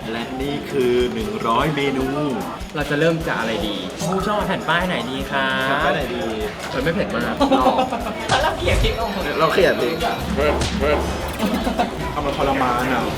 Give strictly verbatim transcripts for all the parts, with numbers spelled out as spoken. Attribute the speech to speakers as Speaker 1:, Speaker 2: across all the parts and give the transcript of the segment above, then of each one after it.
Speaker 1: และนี่คือหนึ่งร้อยเมนู
Speaker 2: เราจะเริ่มจากอะไรดีผู้ชอบแผ่นป้ายไหนดีครับ
Speaker 1: แผ่นป้ายไหนดี
Speaker 2: เออไม่เผ็ดมาก
Speaker 1: เราเขียนทิ้งเราเขียนทิ้งเพิ่มเพิ่มทำมันทรมานอ่ะ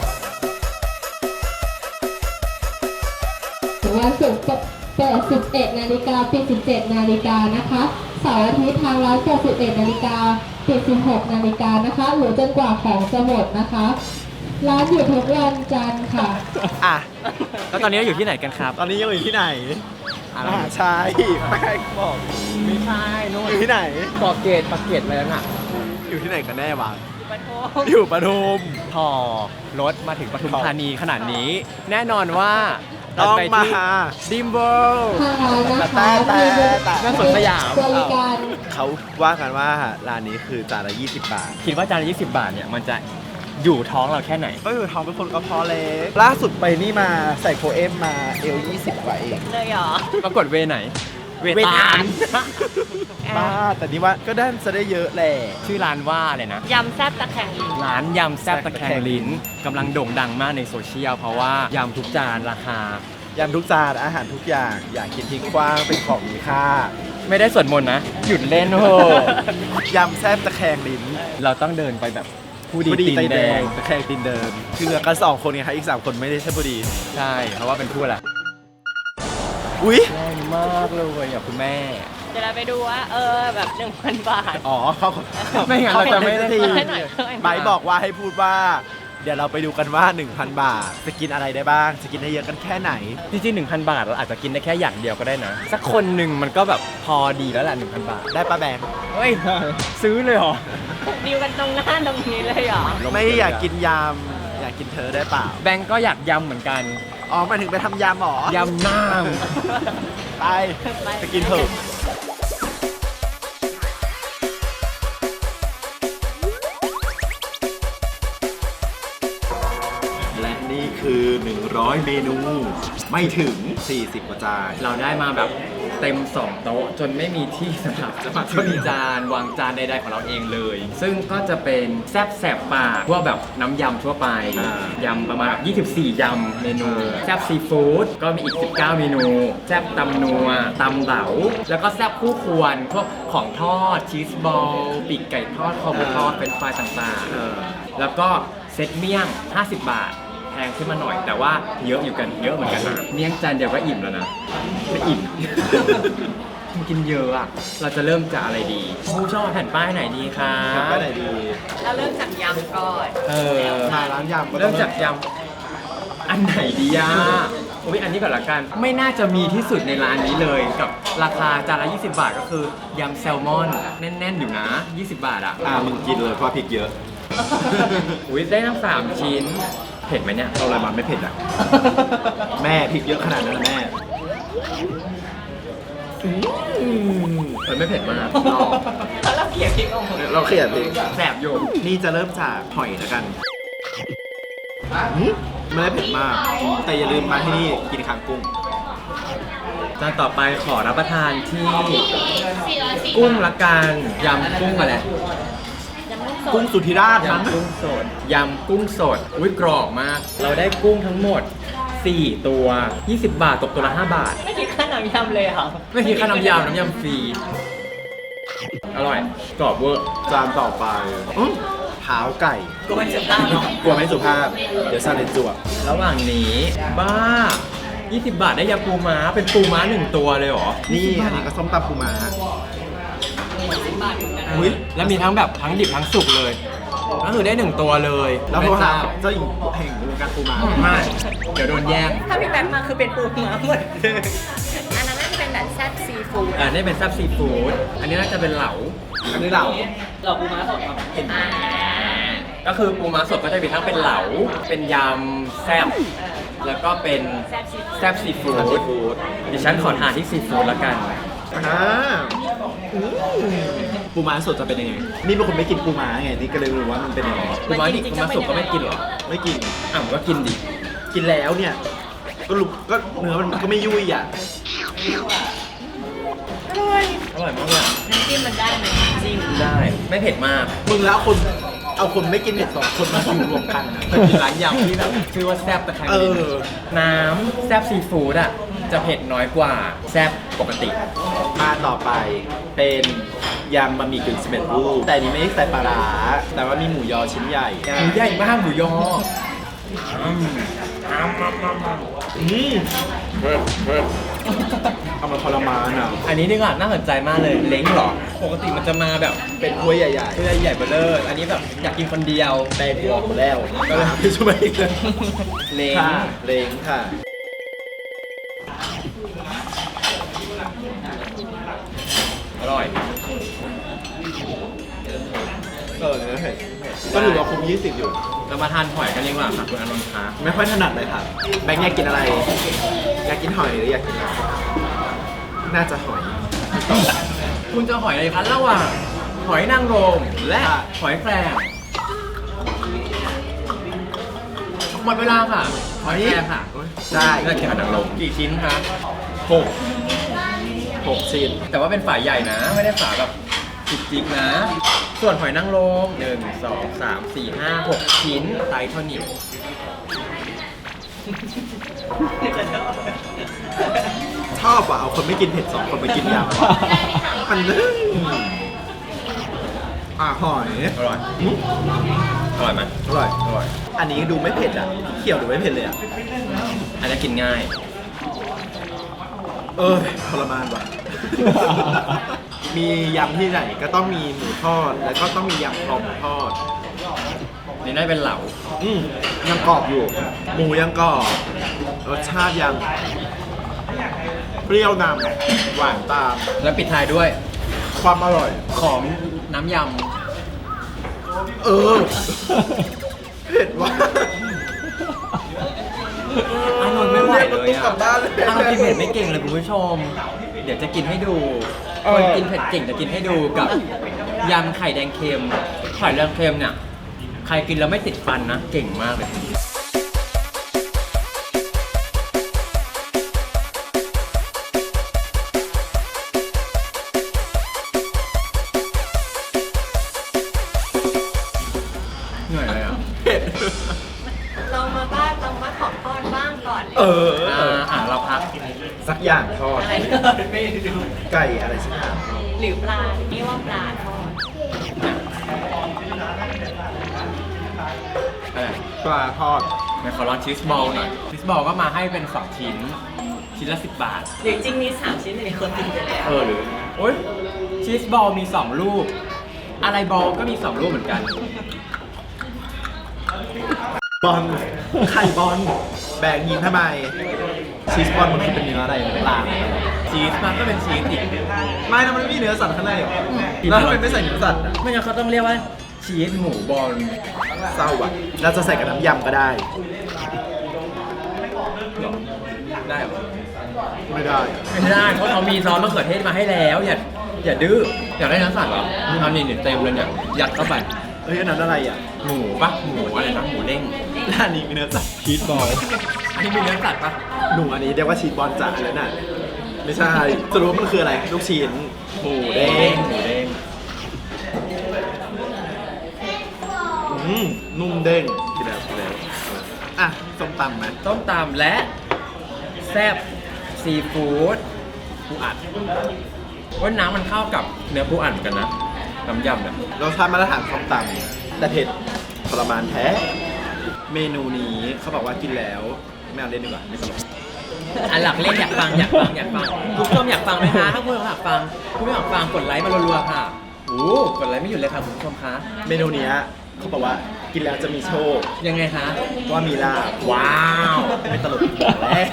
Speaker 3: วันศุกร์เปิดสิบเอ็ดนาฬิกาปิดสิบเจ็ดนาฬิกานะคะเสาร์อาทิตย์ทางร้านเปิดสิบเอ็ดนาฬิกาปิดสิบหกนาฬิกานะคะหรือจนกว่าของจะหมดนะคะร้านอยู่ทุกวันจันทร์ค่ะ
Speaker 1: อ่ะ
Speaker 2: แล้วตอนนี้เราอยู่ที่ไหนกันครับ
Speaker 1: ตอนนี้ยังอยู่ที่ไหน
Speaker 2: อะไร
Speaker 1: มหาชัยแป้งบอก
Speaker 2: ไม่ใช่นู่น
Speaker 1: อยู่ที่ไหน
Speaker 2: ปากเกตปากเกตอะไรน่ะ
Speaker 1: อยู่ที่ไหนกันแน่วะอยู่ปทุม
Speaker 2: พอรถมาถึงปทุมธานีขนาดนี้แน่นอนว่า
Speaker 1: ต้องมา
Speaker 2: ดิมเบิลด์
Speaker 1: แต่แต่แต่
Speaker 2: แต่สวนสยาม
Speaker 3: บริการ
Speaker 1: เขาว่ากันว่าร้านนี้คือจานละยี่สิบบาท
Speaker 2: คิดว่าจานละยี่สิบบาทเนี่ยมันจะอยู่ท้องเราแค่ไหน
Speaker 1: ก็อยู่ท้องเป็นคนกระเพาะเล็กล่าสุดไปนี่มาใส่โคเอมมาเอลยี่สิบกว่าเอง
Speaker 3: เลยเหรอ
Speaker 2: ปรากฏเวไหน
Speaker 1: เวตาลบ้าแต่นี่ว่าก็ได้จะได้เยอะแหละ
Speaker 2: ชื่อร้านว่าอะไรนะ
Speaker 3: ยำแซ่บตะแคงลิ้น
Speaker 2: ร้านยำแซ่บตะแคงลิ้นกำลังโด่งดังมากในโซเชียลเพราะว่ายำทุกจานราคาย
Speaker 1: ำทุกจานอาหารทุกอย่างอยากกินทิ้งกว้างเป็นของมีค่า
Speaker 2: ไม่ได้สวดมนต์นะหยุดเล่นโห
Speaker 1: ยำแซ่บตะแคงลิ้น
Speaker 2: เราต้องเดินไปแบบผู้ดีตีนแดง
Speaker 1: ตะแคงตีนเดินคือเหลือกันสองคนไงครับอีกสามคนไม่ได้ใช่ผู้ดี
Speaker 2: ใช่เพราะว่าเป็นผู้ละ
Speaker 1: อุ้ย
Speaker 2: แรงมากเลยอ่ะคุณแม่
Speaker 3: เดี๋ยวเราไปดูว่าเออแบบ หนึ่งพัน บาท
Speaker 1: อ๋อเขา
Speaker 2: ไม่งั้นเราจะไม่ได้ที
Speaker 1: ไบร์ทบอกว่าให้พูดว่าเดี๋ยวเราไปดูกันว่า หนึ่งพัน บาทจะกินอะไรได้บ้างจะกินได้เยอะกันแค่ไหน
Speaker 2: จริงๆ หนึ่งพัน บาทเราอาจจะกินได้แค่อย่างเดียวก็ได้นะสักคนหนึ่งมันก็แบบพอดีแล้วแหละ หนึ่งพัน บาท
Speaker 1: ได้ปะแบงค์
Speaker 2: เฮ้ยซื้อเลยเหรอ
Speaker 3: ดิวกันตรงหน้าตรงนี้เลยเหรอ
Speaker 1: ไม่อยากกินยำอยากกินเธอได้เปล่า
Speaker 2: แบงค์ก็อยากยำเหมือนกัน
Speaker 1: อ๋อมาถึงไปทำยำหรอย
Speaker 2: ำน้
Speaker 1: ำไปไปกินเถอะและนี่คือหนึ่งร้อยเมนูไม่ถึงสี่สิบกว่าจาน
Speaker 2: เราได้มาแบบเต็มสองโต๊ะจนไม่มีที่สำหรับจะมามีจานวางจานใดๆของเราเองเลยซึ่งก็จะเป็นแซ่บแสบปากพวกแบบน้ำยำทั่วไปยำประมาณแบบยี่สิบสี่ยำเมนูแซ่บซีฟู้ดก็มีอีกสิบเก้าเมนูแซ่บตำนัวตำเหลาแล้วก็แซ่บคู่ควรพวกของทอดชีสบอลปีกไก่ทอดคอหมูทอดเป็นไฟต่างๆแล้วก็เซตเมี่ยงห้าสิบบาทแพงขึ้นมาหน่อยแต่ว่าเยอะอยู่กันเยอะเหมือนกันนะเมี่ยงจานเดียวก็อิ่มแล้วนะไม่อิ่มมันกินเยอะอ่ะเราจะเริ่มจากอะไรดีผู้ชอบแผ่นป้ายไหนดีครับ
Speaker 1: แผ่นป้ายไหนดี
Speaker 3: เราเริ่มจากยำก่อน
Speaker 2: เออ
Speaker 1: มาร้านยำ
Speaker 2: เริ่มจากยำอันไหนดีอ่ะโอ้ยอันนี้ก่อนละกันไม่น่าจะมีที่สุดในร้านนี้เลยกับราคาจานละยี่สิบบาทก็คือยำแซลมอนแน่นๆอยู่นะยี่สิบบาทอ่ะ
Speaker 1: อ่ามึงกินเลยเพราะพริกเยอะ
Speaker 2: อุ้ยได้ทั้งสามชิ้นเผ็ดไหมเนี่ย
Speaker 1: เอาอะไรมาไม่เผ็ดอ่ะแม่พริกเยอะขนาดนั้นแม่
Speaker 2: มันไม่เผ็ดมาก
Speaker 3: เราเขียนพริกออกมา
Speaker 1: เราเขียนพริก
Speaker 2: แสบอยู่
Speaker 1: นี่จะเริ่มจากหอยแล้วกันไม่ได้เผ็ดมากแต่อย่าลืมมาที่นี่กินคางกุ้ง
Speaker 2: จานต่อไปขอรับประทานที่กุ้งละกันยำกุ้งอะไร
Speaker 1: กุ้งสุธิราช
Speaker 2: ยำกุ้งสดยำกุ้งสดอุ้ยกรอบมากเราได้กุ้งทั้งหมดสี่ตัวยี่สิบบาทตกตัวละห้าบาท
Speaker 3: ไม่คิดค่าน้ำยำเลยเหรอ
Speaker 2: ไม่คิดค่าน้ำยำน้ำยำฟรีอร่อยกรอบเวอร์
Speaker 1: จานต่อไปเท้าไก่
Speaker 3: กลัวไม่สุภาพเนาะ
Speaker 1: กลัวไม่สุภาพเดี๋ยวซาเลนจวบ
Speaker 2: ระหว่างนี้บ้ายี่สิบบาทได้ยำปูม้าเป็นปูม้าหนึ่งตัวเลยเหรอ
Speaker 1: นี่อันนี้ก็ส้มตำปูม้า
Speaker 2: อุ้ยแล้วมีทั้งแบบทั้งดิบทั้งสุกเลยก็คือได้หนึ่งตัวเลย
Speaker 1: แล้วพวกเราเจ้าหญิงแห่งวงการปูม้า
Speaker 2: ไม่เดี๋ยวโดนแย่ง
Speaker 3: ถ้าพี่แบงค์มาคือเป็นปูม้าหมดอันนั้นน่าจะเป็นแบบแซ่บซีฟู้ด
Speaker 2: อ่านี่เป็นแซ่บซีฟู้ดอันนี้น่าจะเป็นเหลา
Speaker 1: อันนี้เหลา
Speaker 3: เหลาปูม้าสดครับเห็นไหม
Speaker 2: ก็คือปูม้าสดก็จะมีทั้งเป็นเหลาเป็นยำแซ่บแล้วก็เป็นแซ่บซีฟู้ดดิฉันขอทานที่ซีฟู้ดละกัน
Speaker 1: อ่าปูม้าสดจะเป็นยังไงนี่เป็นคนไม่กินปูม้าไงนี่ก็เลยรู้ว่ามันเป็นยังไง
Speaker 2: ปูม้าดิบปูม้าสดก็ไม่กินหรอ
Speaker 1: ไม่กิน
Speaker 2: อ่ะก็กินดิ
Speaker 1: กินแล้วเนี่ยก็รู้ก็เนื้อมันก็ไม่ยุ่ยอ่ะ
Speaker 3: อร่อย
Speaker 2: อร่อยมากเลย
Speaker 3: น้ำจิ้มมันได้ไหมจริง
Speaker 2: ได้ไม่เผ็ดมาก
Speaker 1: มึงแล้วคนเอาคนไม่กินเผ็ดสองคนมาอยู่รวมกันนะ
Speaker 2: เคยกินร้านยำที่แบบชื่อว่าแซ่บตะไคร้
Speaker 1: เออ
Speaker 2: น้ำแซ่บซีฟู้ดอ่ะจะเผ็ดน้อยกว่าแซ่บปกติ
Speaker 1: มาต่อไปเป็นยำบะหมี่กึ่งสำเร็จรูปแต่อันนี้ไม่ได้ใส่ปลาร้าแต่ว่ามีหมูยอชิ้นใหญ่
Speaker 2: หมูใหญ่มากหมูยออืม
Speaker 1: อืมเอามาทรมานอ่ะ
Speaker 2: อันนี้ดีกว่าน่าสนใจมากเลยเล้งเหรอ ปกติมันจะมาแบบ
Speaker 1: เป็นถ้วยใหญ่
Speaker 2: ตัวใหญ่ๆเบอร์เลอร์อันนี้แบบอยากกินคนเดียว
Speaker 1: ๆในหัวหมดแล้วก็เลยพี่ช่วยอีกเลย
Speaker 2: เล้ง
Speaker 1: ค่ะเล้งค่ะ
Speaker 2: อร่อย
Speaker 1: เออเนื้อเผ็ดก็ถือว่าคุ้มยี่สิบอยู่
Speaker 2: เรามาทานหอยกันดีกว่าค่ะคุณอานนท์คะ
Speaker 1: ไม่ค่อยถนัดเลยค่ะแบงค์อยากกินอะไร อยากกินหอยหรืออยากกินอะไรน่าจะหอย
Speaker 2: คุณจะหอยอะไรคะระหว่างหอยนางรมและหอยแครงหมดเวลาค่ะ หอยแครงค่ะ
Speaker 1: ได้
Speaker 2: ได้แค่หอยนางรมกี่ชิ้นคะ
Speaker 1: หกหกชิ้น
Speaker 2: แต่ว่าเป็นฝาใหญ่นะ ไม่ได้ฝาแบบจิกๆนะ ส่วนหอยนางรมหนึ่งสองสามสี่ห้าหกชิ้นไซส์เท่านี้
Speaker 1: ชอบอ่ะเอาคนไม่กินเผ็ดสองคนไปกินยำมันนึงอ่ะหอย
Speaker 2: อร่อย
Speaker 1: อืม
Speaker 2: อร่อยไหม
Speaker 1: อร่อย
Speaker 2: อร่อย
Speaker 1: อันนี้ดูไม่เผ็ดอ่ะเขียวดูไม่เผ็ดเลยอ่ะ
Speaker 2: อันนี้กินง่าย
Speaker 1: เออทรมานว่ะ มียำที่ไหนก็ต้องมีหมูทอด แล้วก็ต้องมียำคอหมูทอด
Speaker 2: นี่น่าจะเป็นเหลา
Speaker 1: อืมยังกรอบอยู่ หมูยังกรอบ รสชาติยังเปรี้ยวนำหวานตาม
Speaker 2: แล้วปิดท้ายด้วย
Speaker 1: ความอร่อย
Speaker 2: ของน้ำย
Speaker 1: เออ เผ็ดว่ะ
Speaker 2: ำอานนท์ไม่ไหวเลย
Speaker 1: กลั
Speaker 2: อ่ะ
Speaker 1: บบ้านเลย
Speaker 2: อานนท์กินเผ็ดไม่เก่งเลยคุณผู้ชม เดี๋ยวจะกินให้ดูคนกินเผ็ดเก่งจะกินให้ดูกับยำไข่แดงเค็ม ไข่แดงเค็มเนี่ย ใครกินแล้วไม่ติดฟันนะ เก่งมากเลย เหนื่อยเลยอ่ะ
Speaker 1: เผ็ด
Speaker 4: เรามาบ้านเรามาขอพรบ้างก่อน
Speaker 1: เออ
Speaker 2: อ่าอ่ะเราพัก
Speaker 1: สักอย่างทอด
Speaker 4: อะไรไม่รู้
Speaker 1: ไก่อะไรสักอย่าง
Speaker 4: หรือปลานี่ว่าปลาทอด
Speaker 2: อะไร
Speaker 1: ปลาทอด
Speaker 2: เดี๋ยวขอลองชีสบอลหน่อย ชีสบอลก็มาให้เป็นสองชิ้น ชิ้นละสิบบาท
Speaker 4: หรือจริงมีสามชิ้นแต่มีคนกินไปแล้ว
Speaker 2: เออหรือโอ๊ยชีสบอลมีสองลูก อะไรบอลก็มีสองลูกเหมือนกัน
Speaker 1: บอล ไข่บอล แบ่งยิงทำไม ชีสบอลมันคือเป็นเนื้ออะไรปลา
Speaker 2: ชีสมันก็เป็นชีสอีก
Speaker 1: ไม่นะมันไม่มีเนื้อสัตว์ข้างในหรอแล้วทำไมไม่ใส่เนื้อสัตว์อ่ะ
Speaker 2: ไม่งั้นเขาต้องเรียกว่าชีสหมูบอล
Speaker 1: เศร้าอ่ะเราจะใส่กับน้ำยำก็ได้
Speaker 2: หรอได้เหรอ
Speaker 1: ไม่ได้
Speaker 2: ไม่ได้เพราะเขามีซอสมะเขือเทศมาให้แล้ว อย่าอย่าดื้ออยากได้เนื้อสัตว์เหรอเอานี่นี่เต็มเลยเนี่ยยัดเข้าไป
Speaker 1: เฮ้ยอันนั้นอะไรอ่ะ
Speaker 2: หมูปะหมูอะไรนะหมูเด้ง
Speaker 1: ร้านนี้มีเนื้อสัตว์
Speaker 2: ชีสบอลอันนี้มีเนื้อสัตว์ปะ
Speaker 1: หนูอันนี้เรียกว่าชีสบอลจ๋าแล้วน่ะ ไม่ใช่สรุปว่ามันคืออะไร ลูกชิ้น หมูเด้ง
Speaker 2: หมูเด้ง
Speaker 1: อืมนุ่มเด้งกินแล้วกินแล้วอ่ะส้มตำไหม
Speaker 2: ต้มตำและแซ่บซีฟู้ดปูอัดว่าน้ำมันเข้ากับเนื้อปูอัดเหมือนกันนะน้ำยำเนี่ย
Speaker 1: รสชาติมาตรฐานส้มตำแต่เผ็ดทรมานแท้ เมนูนี้เขาบอกว่ากินแล้ว ไม่เอาเล่นดีกว่าไม่ตลก
Speaker 2: อันหลักเล่นอยากฟังอยากฟังอยากฟังคุณผู้ชมอยากฟังไหมคะถ้าคุณผู้ชมอยากฟังคุณผู้ชมอยากฟังกดไลค์มารัวๆค่ะโอ้กดไลค์ไม่หยุดเลยค่ะคุณผู้ชมคะ
Speaker 1: เมนูเนี้ยเขาบอกว่ากินแล้วจะมีโชค
Speaker 2: ยังไงคะ
Speaker 1: ว่ามีลาบ
Speaker 2: ว้าว
Speaker 1: ไม่ตลกแล้ว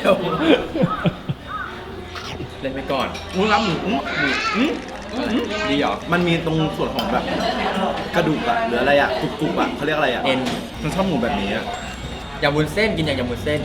Speaker 2: เล่นไปก่อน
Speaker 1: อุ้ยรับหมูอื้อหมูอื้อ
Speaker 2: ดีเหรอ
Speaker 1: มันมีตรงส่วนของแบบกระดูกอะหรืออะไรอะกรุบกรุบอะเขาเรียกอะไรอะ
Speaker 2: เอ็น
Speaker 1: มันชอบหมูแบบนี้อะ
Speaker 2: ยำวุ้นเส้นกินอย่างยำวุ้นเส้น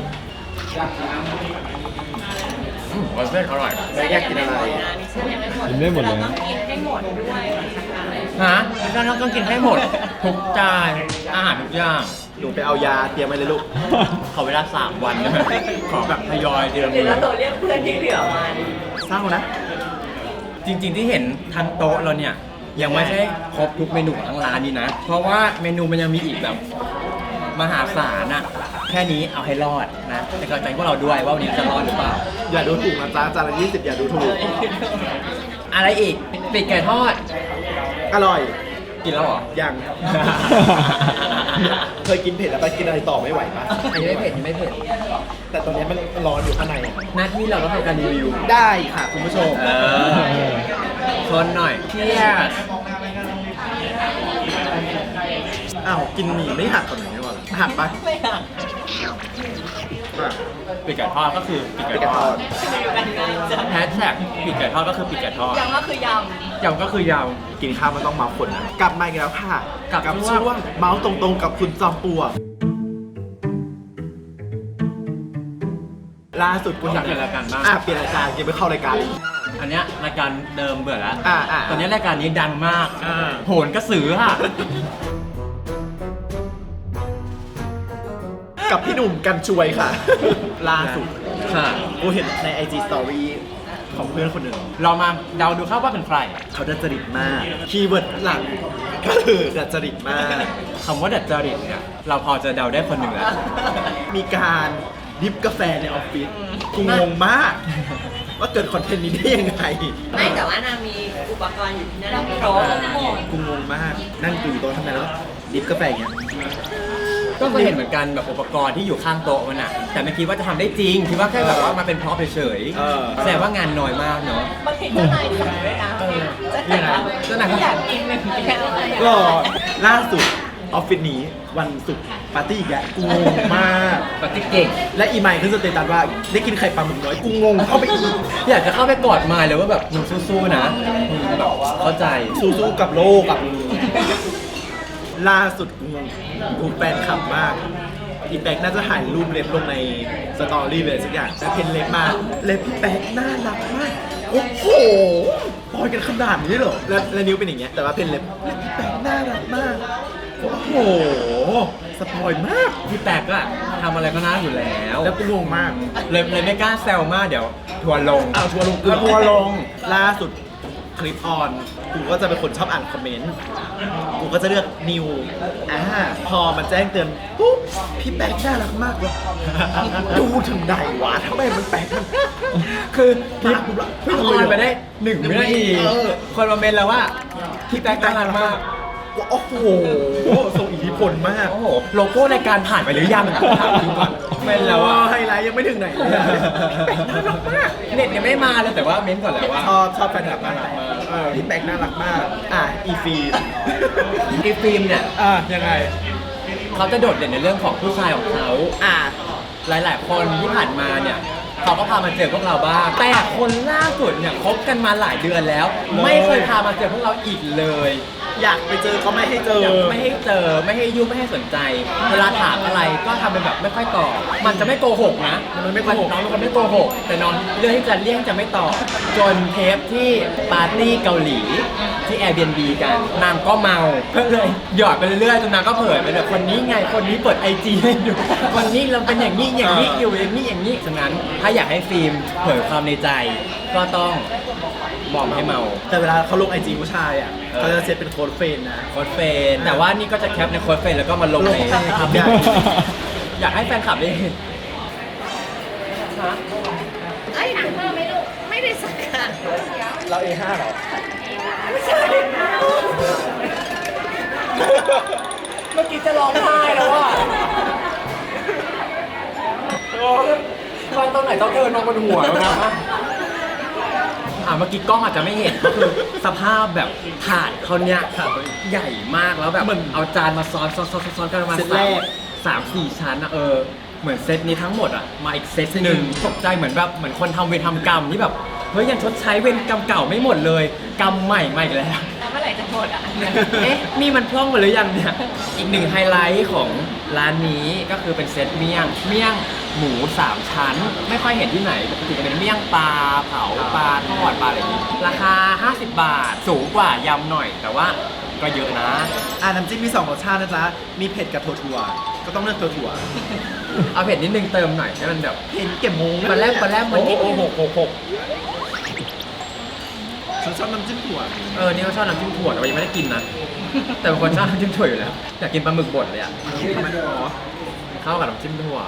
Speaker 2: อืมวุ้นเส้นอร่อย
Speaker 1: ไม่อยากกินอะไร
Speaker 4: กินได้หมดเลยเราต้องกินให้หมดด้วย
Speaker 2: ฮะดิฉันต้องกินให้หมด ทุกจานอาหารทุกอย่าง
Speaker 1: หนูไปเอายาเตรียมไว้เลยลูก
Speaker 2: ขอเวลาสามวันได้ไหมขอแบบทยอยเดือน
Speaker 4: หรือ
Speaker 2: มื
Speaker 4: เรา
Speaker 2: อ
Speaker 4: โทรเรียกเพื่อนที่เหลือมา
Speaker 1: เศร้านะ
Speaker 2: จริง ๆที่เห็นทั้งโต๊ะเราเนี่ยยังไม่ใช่ครบทุกเมนูของทั้งร้านนี้นะ เพราะว่าเมนูมันยังมีอีกแบบมหาศาลอะแค่นี้เอาให้รอดนะแต่ก็ใจพวกเราด้วยว่าวันนี้จะรอดหรือเปล่า
Speaker 1: อย่าดูถูกนะจ๊ะจานละยี่สิบอย่าดูถูก
Speaker 2: อะไรอีกปีกไก่ทอด
Speaker 1: อร่อย
Speaker 2: กินแล้วเหรอ
Speaker 1: ยัง เคยกินเผ็ดแล้วไปกินอะไรต่อไม่ไหวปะ
Speaker 2: อันนี้ไม่เผ็ดยังไม่เผ็ด
Speaker 1: แต่ตอนนี้มันร้อนอยู่ข้างในอะ
Speaker 2: หน้าที่เราต้องทำการรีวิว
Speaker 1: ได้ค่ะคุณผู้ชม
Speaker 2: เออชนหน่อยเที่ย
Speaker 1: อ้าวกินหมี่ไม่หักก่อนหน่อยดีกว่าหักปะ
Speaker 4: ไม่หัก
Speaker 1: อ่ะ
Speaker 2: ปีกไก่ทอดก็คือปีก
Speaker 1: ไป
Speaker 2: ไก่
Speaker 1: กัน
Speaker 2: ท
Speaker 1: ต่
Speaker 2: อ
Speaker 1: อ
Speaker 2: ดแฮชแท็กปีกไก่ทอดก็คือปีกไก่ทอด
Speaker 4: ยังก็คือย
Speaker 2: ยำก็คือย
Speaker 1: กินข้าวมันต้องเมาคนนะกลับมาอีกแล้วค่ะ
Speaker 2: กับ
Speaker 1: กับ
Speaker 2: ช่วง
Speaker 1: ช่วงเมาส์ตรงๆกับคุณจอมปลวกล่าสุดคุณ
Speaker 2: ำอยากเปลี่ยนรายการบ้าง
Speaker 1: อ่ะเปลี่ยนรายการยังไม่เข้ารายการอีก
Speaker 2: อันเนี้ยรายการเดิมเบื่อแล้ว
Speaker 1: อ่าอ่า
Speaker 2: ตอนนี้รายการนี้ดังมาก
Speaker 1: อ่า
Speaker 2: โหนกระสือค่ะ
Speaker 1: กับพี่หนุ่มกันช่วยค่ะ ล่าสุด
Speaker 2: ค่ะ
Speaker 1: กูเห็นใน ไอ จี Story ของเพื่อนคนหนึ่ง
Speaker 2: เรามาเดาดูครับว่าเป็นใคร
Speaker 1: เขาดัดจริตมาก คีย์เวิร์ดหลังก็คือดัดจริตมาก
Speaker 2: คำว่าดัดจริตเนี่ย เราพอจะเดาได้คนหนึ่งแล้ว
Speaker 1: มีการดิฟกาแฟในออฟฟิศกูงงมาก ว่าเกิดคอนเทนต์นี้ได้ยังไง
Speaker 4: ำไม่แต่ว่านางมีอุปกรณ์อยู่ที่นั่นครบหมด
Speaker 1: กูงงมาก นั่งอยู่โต๊ะทำไมแล้วดิฟกาแฟอย่างเงี้ย
Speaker 2: ก็เคยเห็นเหมือนกันแบบอุปกรณ์ที่อยู่ข้างโต๊ะมันอะแต่ไม่คิดว่าจะทำได้จริง คิดว่าแค่แบบว่ามาเป็นพร็อพเฉย
Speaker 1: เออ
Speaker 2: ๆแสดงว่างานน้อยมากเนาะ
Speaker 4: บางทีเจ้านายสั่งด้วยนะ
Speaker 2: เออ
Speaker 4: เจ้านาย
Speaker 2: เจ้านายเขา
Speaker 4: อยากกินเป็นแก้วอะไรอย่าง
Speaker 1: ก็
Speaker 4: เงี้ย
Speaker 1: ล่าสุดออฟฟิศนี้วันศุกร์ปาร์ตี้อีกแล้วกูงงมาก
Speaker 2: ปฏิเก่ง
Speaker 1: และอีไมค์ขึ้นสเตตัสว่าได้กินไข่ปลาหมึกน้อยกูงงเข้าไปอีก
Speaker 2: อยากจะเข้าไปกอดมายเลยว่าแบบมึงสู้ๆนะมึงแบบเข้าใจ
Speaker 1: สู้ๆกับโลกกับล่าสุดกูงงกูแฟนคลับมากอีแป๊กน่าจะถ่ายรูปเล็บลงในสตอรี่เลยสักอย่างแต่เพนเล็บมาเล็บพี่แป๊กน่ารักมากโอ้โหปอยกันขนาดนี้เหรอแล้วแล้วนิ้วเป็นอย่างเงี้ยแต่ว่าเพนเล็บเล็บพี่แป๊กน่ารักมากโอ้โหสปอยมาก
Speaker 2: พี่แปกอะทำอะไรก็น่าอยู่แล้ว
Speaker 1: แล้วกูงงมาก
Speaker 2: เลยเลยไม่กล้าแซวมากเดี๋ยวทัวร์ลง
Speaker 1: เอาทัวร์ลง
Speaker 2: แล้วทัวร์ลง
Speaker 1: ล่าสุดคลิปออนกูก็จะเป็นคนชอบอ่านคอมเมนต์กูก็จะเลือกนิวอ่าพอมันแจ้งเตือนปุ๊บพี่แป๊กน่ารักมากเลยดูถึงไหนวะทำไมมันแป๊กมัน
Speaker 2: คือคลิป
Speaker 1: ปุ๊บละ
Speaker 2: เพิ่งออนไปได้หนึ่งวินาที
Speaker 1: เออ
Speaker 2: คนมาเมนแล้วว่าพี่แป๊กน่ารักมาก
Speaker 1: โอ้โหทรงอิทธิพลมาก
Speaker 2: โอ้โหโลโก้รายการผ่านไปหรือยังถามจริงก่อนเมนแล้วว่า
Speaker 1: ไฮไลท์ยังไม่ถึงไหนเลยอะพี่แป๊กน่ารักมาก
Speaker 2: เน็ตยังไม่มาเลยแต่ว่าเมนก่อนแล้วว่า
Speaker 1: ชอบชอบแฟนคลับมากเออพี่แป๊กน่ารักมากอ่ะอีฟี
Speaker 2: อีฟิล์มเนี่ย
Speaker 1: อ่ะยังไง
Speaker 2: เขาจะโดดเด่นในเรื่องของผู้ชายของเขา
Speaker 1: อ่ะ
Speaker 2: หลาย ๆ คนที่ผ่านมาเนี่ยเขาก็พามาเจอพวกเราบ้างแต่คนล่าสุดเนี่ยคบกันมาหลายเดือนแล้ว ไม่เคยพามาเจอพวกเราอีกเลย
Speaker 1: อยากไปเจอก็ไม่ให้เจอ
Speaker 2: ไม่ให้เจอไม่ให้ยุ่งไม่ให้สนใจ เวลาถามอะไรก็ทำเป็นแบบไม่ค่อยตอบมันจะไม่โกหกนะ
Speaker 1: มันไม่โกหก
Speaker 2: น้องเป็นคนไม่โกหกแต่น้องเลือกที่จะเลี่ยงจะไม่ตอบจนเทปที่ปาร์ตี้เกาหลีที่ Airbnb กันนางก็เมาก็เลยหยอดไปเรื่อยๆจนนางก็เผยไปแบบคนนี้ไงคนนี้เปิดไอจีให้ดูวันนี้เราเป็นอย่างนี้อย่างนี้อยู่อย่างนี้อย่างนี้ฉะนั้นถ้าอยากให้ฟิล์มเผยความในใจ ก็ต้องบอกให้เมา
Speaker 1: แต่เวลาเขาลงไอจีผู้ชายอ่ะ
Speaker 2: เออ
Speaker 1: เขาจะเซตเป็นโค้ดเฟรนนะ
Speaker 2: โค้ดเฟรนแต่ว่านี่ก็จะแคปในโค้ดเฟรนแล้วก็มาลงใน
Speaker 1: ลงใน
Speaker 2: อัพ
Speaker 1: ใหญ่
Speaker 2: อยากให้แฟนคลับได้เห็น
Speaker 4: ไอ้ถุงผ้าไม่รู้ไม่ได้สักค่ะ
Speaker 1: เรา เอ ห้า เหรอ
Speaker 4: ไม่ใช่
Speaker 2: เมื่อกี้จะร้องไห้แล้วอ่ะตอนตอนไหนต้องเดินมาบนหัวแล้วนะอ่าเมื่อกี้กล้องอาจจะไม่เห็นก็คือสภาพแบบถาดเขาเนี้ยใหญ่มากแล้วแบบเอาจานมาซ้อนซ้อนซ้อนซ้อนกันประมาณ
Speaker 1: เซตแรก
Speaker 2: สามสี่ชั้นอะเออเหมือนเซตนี้ทั้งหมดอะมาอีกเซตหนึ่งตกใจเหมือนแบบเหมือนคนทำเวรทำกรรมที่แบบเฮ้ยยังชดใช้เวรกรรมเก่าไม่หมดเลยกรรมใหม่ใหม่แล้ว
Speaker 4: แล้วเมื่อไหร่จะหมดอ่ะ
Speaker 2: เอ๊ะ นี่มันพร่องไปหรือยังเนี่ย อีกหนึ่งไฮไลท์ของร้านนี้ก็คือเป็นเซตเมี่ยง เมี่ยงหมูสามชั้น ไม่ค่อยเห็นที่ไหน ปกติจะเป็นเมี่ยงปลาเผาปลาทอดปลาอะไรอย่างนี้ ราคา ห้าสิบบาท สูงกว่ายำหน่อย แต่ว่าก็เยอะนะ
Speaker 1: อ่าน้ำจิ้มมีสองรสชาตินะจ๊ะ มีเผ็ดกับถั่วถั่วก็ต้องเลือกถั่วถั่ว
Speaker 2: เอาเผ็ดนิดนึงเติมหน่อยให้มันแบบ
Speaker 1: เห็นเก็บมง
Speaker 2: ปลาแรมปลาแรมมันนิดนึง
Speaker 1: โอ้โหโอ้โหโอ้โหฉันชอบน้ำจิ้มถั่ว
Speaker 2: เออ นี่ก็ชอบน้ำจิ้มถั่วแต่ว่ายังไม่ได้กินนะ แต่บางคนชอบน้ำจิ้มถั่วอยู่แล้ว อยากกินปลาหมึกบดเลยอ่ะ
Speaker 1: ทำไมอ๋อ
Speaker 2: เข้ากับน้ำจิ้มถั่ว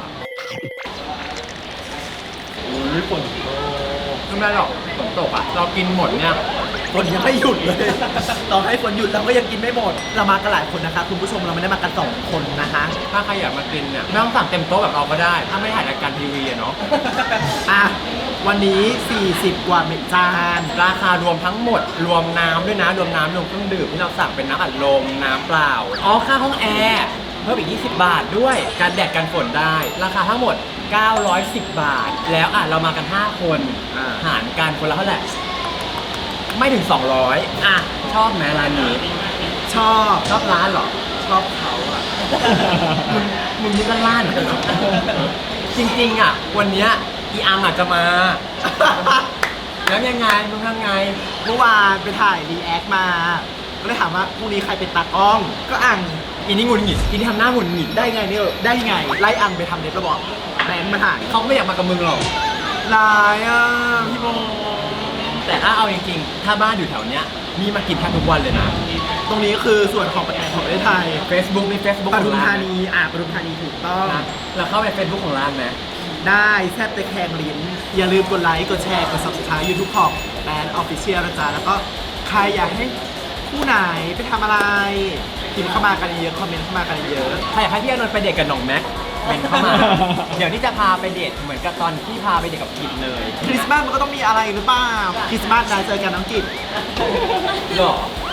Speaker 1: อุ้ยฝน
Speaker 2: ไม่ได้หรอกฝนตกอ่ะ เรากินหมดเนี่ย
Speaker 1: ฝนยังไม่หยุดเลย ต่อให้ฝนหยุดเราก็ยังกินไม่หมด เรามากันหลายคนนะคะ คุณผู้ชมเราไม่ได้มากันสองคนนะคะ
Speaker 2: ถ้าใครอยากมากินเนี่ยไม่ต้องสั่งเต็มโต๊ะแบบเราก็ได้ ถ้าไม่ถ่ายรายการทีวีอะเนาะ
Speaker 1: อ่ะ วันนี้ สี่สิบ กว่าเม็ดจาน
Speaker 2: ราคารวมทั้งหมด รวมน้ำด้วยนะ รวมน้ำรวมเครื่องดื่มที่เราสั่งเป็นน้ำอัดลม น้ำเปล่า อ๋อ ค่าห้องแอร์ เพิ่มอีก ยี่สิบบาทด้วย การแดดกันฝนได้ ราคาทั้งหมด เก้าร้อยสิบ บาท แล้วอ่ะเรามากัน ห้า คน
Speaker 1: อ่า
Speaker 2: หารกันคนละเท่าไหร่ ไม่ถึง สองร้อย อ่ะ ชอบไหมร้านนี้
Speaker 1: ชอบ
Speaker 2: ชอบร้านเหรอ
Speaker 1: ชอบเขาอะ
Speaker 2: มึงมึงนี่ก็ล่านเหมือนกันเนอะจริงๆอ่ะ วันเนี้ยอีอังอาจจะมา แล้วยังไงมึงทำไง
Speaker 1: เมื่อวานไปถ่ายรีแอคมา ก็เลยถามว่าพรุ่งนี้ใครเป็นตากล้อง ก็อ่าง
Speaker 2: อีนี่หงุดหงิดอีนี่ทำหน้าหงุดหงิด
Speaker 1: ได้ไงเนี่ยได้ไง ไล่อังไปทำเด็บระบอกแบงค์มาถ่าย
Speaker 2: เขาไม่อยากมากับมึงหรอก
Speaker 1: ลายอ่ะพี่โบ
Speaker 2: แต่ถ้าเอาจริงๆ ถ้าบ้านอยู่แถวเนี้ยมีมากินแทบทุกวันเลยนะ
Speaker 1: ตรงนี้คือส่วนของประเทศของประเทศไทย
Speaker 2: Facebook มี Facebook
Speaker 1: ป
Speaker 2: ข
Speaker 1: ทุ
Speaker 2: อ
Speaker 1: ม
Speaker 2: งร้า
Speaker 1: ธาน นีอ่ะปทุมธานีถูกต้อง
Speaker 2: นะเราเข้าไป Facebook ของร้านไหม
Speaker 1: ได้แซบตะแคงลิ้น อย่าลืมกดไลค์ กดแชร์ กด subscribe YouTube ของแบรนด์ Official นะจ๊ะ แล้วก็ใครอยากให้ผู้ไหนไปทำอะไรพิมพ์เข้ามากันเยอะ คอมเมนต์เข้ามากันเยอะ
Speaker 2: ใครอยากให้พี่อานนท์ไปเดทกับหน่องแม็กเป็นเข้า มา เดี๋ยวนี้จะพาไปเดทเหมือนกับตอนที่พาไปเดทกับกิจเลย
Speaker 1: คริสต์มาสมันก็ต้องมีอะไรหรือเปล่า คริสต์มาสนะเจอกันน้องกิจ
Speaker 2: หรอ